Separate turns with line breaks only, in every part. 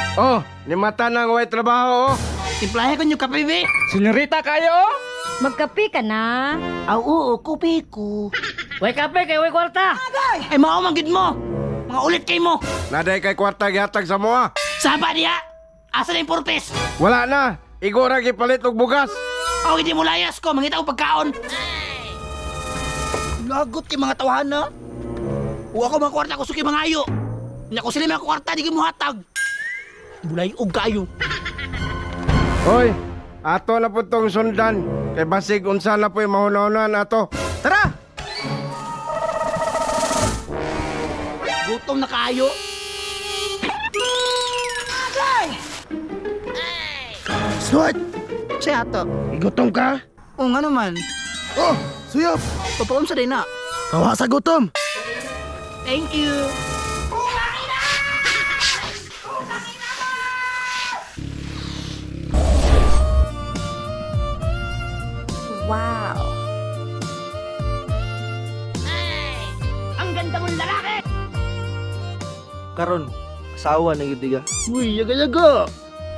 Oh, limata nang way trabaho, oh.
Timplahe ko nyo kape, be.
Senyorita kayo?
Magkapi ka na.
Oo, kupi ko.
Way kape kay way kwarta.
Ay, maumagid mo. Mga ulit kay mo.
Naday kay kwarta gihatag sa moa.
Saba niya. Asa na yung purpose?
Wala na. Igo ra gipalit og bugas.
O, hindi mo layas ko. Mangita ko pagkaon. Lagot kay mga tawahan na. Huwag ako mga kwarta ko suki mga ayo. Nya ko sila mga kwarta, di mo hatag. Bulay og kayo.
Hoy, ato na po tong sundan. Kay basig unsa na po yung mahunahunan ato. Tara!
Gutom na kayo. Swat! Siya ato.
Gutom ka?
O nga naman.
Oh, suyop!
Papaon sa din na.
Kawa sa gutom!
Thank you.
Wow.
Ang ganda mong lalaki!
Karon, asawa na gid diga.
Uy, yaga-yaga!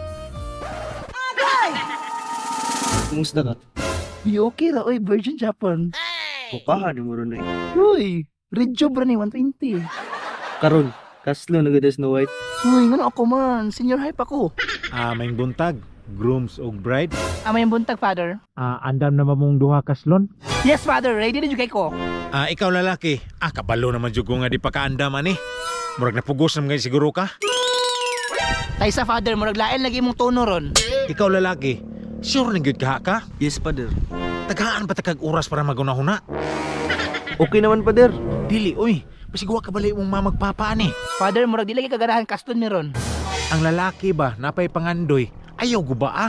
Kumusta ka?
Di okay ra, oy, Virgin Japan.
Bukahan mo ron eh.
Uy, red job ra ni 120.
Karon, kaslo na gid Snow White.
Uy, ngano ako man, senior hype ako.
May buntag, grooms o bride.
Amay yung buntag, father.
Andam na mamong duha kaslon.
Yes, father, ready na jud kay ko.
Ikaw lalaki. Kabalo naman jud ko nga di pa kaandam ani. Murag napugos naman ngayon siguro ka.
Tay sa father, murag lain lagi mong tono ron.
Ikaw lalaki. Sure na gyud ka ka?
Yes, pader.
Tagaan pa takag oras para magunahuna.
Okay naman, pader.
Dili, oy. Pasigwa ka bali mong mamagpapa ani.
Father, murag di lagi kaganahan kaston ni ron.
Ang lalaki ba, napay pangandoy. Ayaw ko ba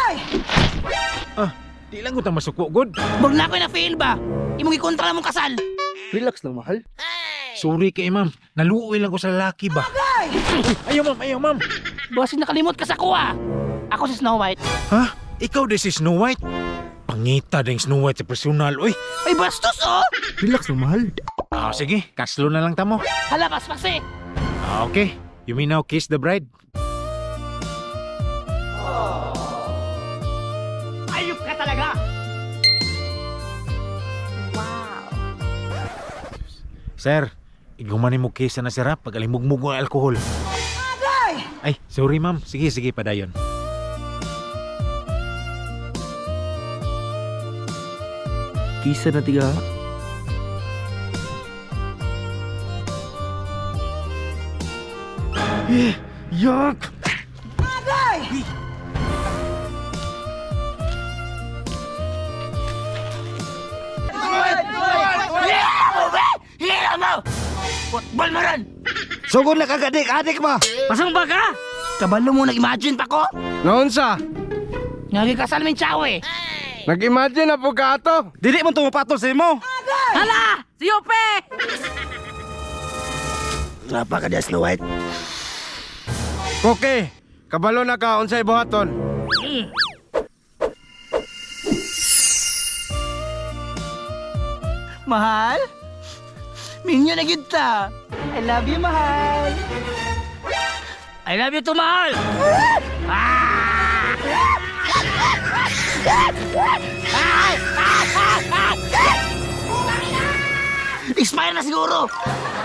di lang ko ta masuko god.
Murag na ako na fail ba? Imong ikontra mong kasal.
Relax lang, mahal.
Sorry kay ma'am. Naluoy lang ko sa lalaki ba. Ayaw ma'am.
Boss, nakalimot ka sa kuha. Ako si Snow White.
Ha? Ikaw di si Snow White? Pangita ding Snow White sa personal, oy.
Ay, bastos oh!
Relax lang, mahal.
Sige, kaslo na lang tamo.
Hala, paspas eh.
Okay, you may now kiss the bride.
Ayop ka talaga!
Wow.
Sir, igumanin mo kiss na sarap pag alimugmug ng alkohol. Ay, sorry ma'am. Sige, padayon.
Kisa na tiga.
Yak!
Hila mo! Football mo ron!
Sugod na kagadik-adik ba?
Pasang ba ka? Kabalo mo nag-imagine pa ko?
Naunsa?
Ngagi kasal min chow eh.
Nag-imagine na po ka ato?
Dili mo tumapatol sa imo.
Hala! Si Yope!
Trapa ka diya, Snow White.
Okay, kabalo na ka unsay buhaton.
Mahal? Minyo na kita. I love you, mahal. I love you too, mahal. Expire na siguro.